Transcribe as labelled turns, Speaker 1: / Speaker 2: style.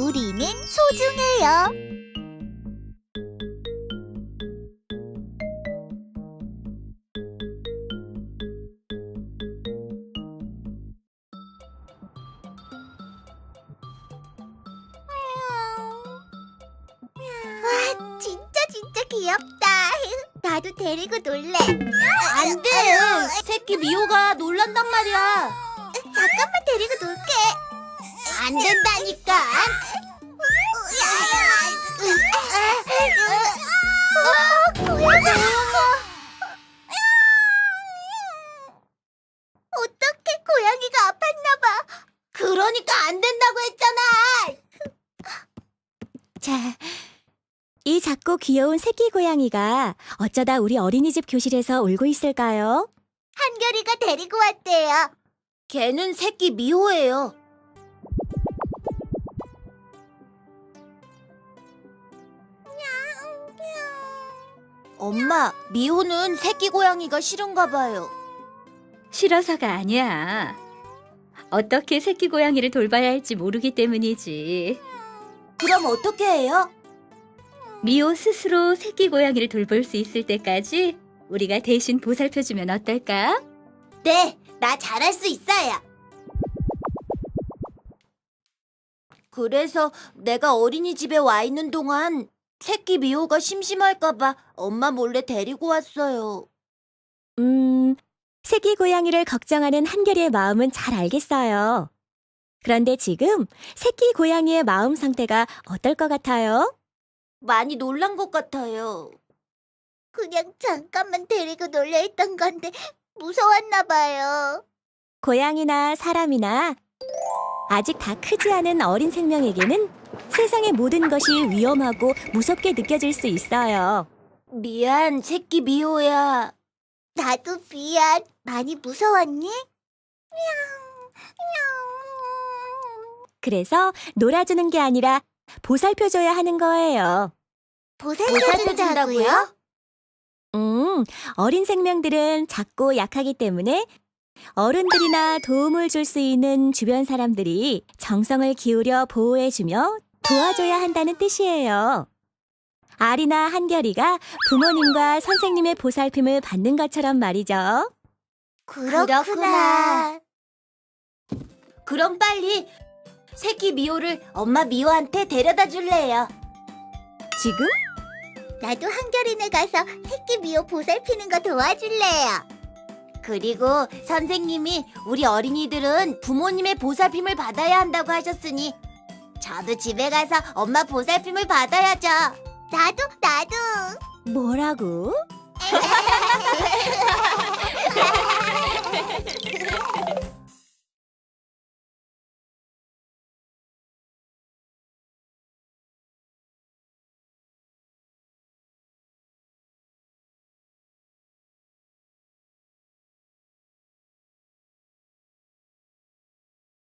Speaker 1: 우리는 소중해요. 와, 진짜 귀엽다. 나도 데리고 놀래.
Speaker 2: 안 돼! 새끼 미호가 놀란단 말이야.
Speaker 1: 잠깐만 데리고 놀게.
Speaker 2: 안 된다니까.
Speaker 1: 어떡해, 고양이가 아팠나 봐.
Speaker 2: 그러니까 안 된다고 했잖아.
Speaker 3: 자, 이 작고 귀여운 새끼 고양이가 어쩌다 우리 어린이집 교실에서 울고 있을까요?
Speaker 1: 한결이가 데리고 왔대요.
Speaker 2: 걔는 새끼 미호예요. 엄마, 미호는 새끼 고양이가 싫은가 봐요.
Speaker 4: 싫어서가 아니야. 어떻게 새끼 고양이를 돌봐야 할지 모르기 때문이지.
Speaker 2: 그럼 어떻게 해요?
Speaker 4: 미호 스스로 새끼 고양이를 돌볼 수 있을 때까지 우리가 대신 보살펴주면 어떨까?
Speaker 2: 네, 나 잘할 수 있어요. 그래서 내가 어린이집에 와 있는 동안 새끼 미호가 심심할까 봐 엄마 몰래 데리고 왔어요.
Speaker 3: 새끼 고양이를 걱정하는 한결이의 마음은 잘 알겠어요. 그런데 지금 새끼 고양이의 마음 상태가 어떨 것 같아요?
Speaker 2: 많이 놀란 것 같아요.
Speaker 1: 그냥 잠깐만 데리고 놀려 했던 건데 무서웠나 봐요.
Speaker 3: 고양이나 사람이나 아직 다 크지 않은 어린 생명에게는 세상의 모든 것이 위험하고 무섭게 느껴질 수 있어요.
Speaker 2: 미안, 새끼 미호야.
Speaker 1: 나도 미안. 많이 무서웠니?
Speaker 3: 그래서 놀아주는 게 아니라 보살펴줘야 하는 거예요.
Speaker 1: 보살펴준다고요?
Speaker 3: 어린 생명들은 작고 약하기 때문에 어른들이나 도움을 줄 수 있는 주변 사람들이 정성을 기울여 보호해주며 도와줘야 한다는 뜻이에요. 아리나 한결이가 부모님과 선생님의 보살핌을 받는 것처럼 말이죠.
Speaker 1: 그렇구나.
Speaker 2: 그럼 빨리 새끼 미호를 엄마 미호한테 데려다 줄래요.
Speaker 3: 지금?
Speaker 1: 나도 한결이네 가서 새끼 미호 보살피는 거 도와줄래요.
Speaker 2: 그리고 선생님이 우리 어린이들은 부모님의 보살핌을 받아야 한다고 하셨으니 저도 집에 가서 엄마 보살핌을 받아야죠.
Speaker 1: 나도.
Speaker 3: 뭐라고?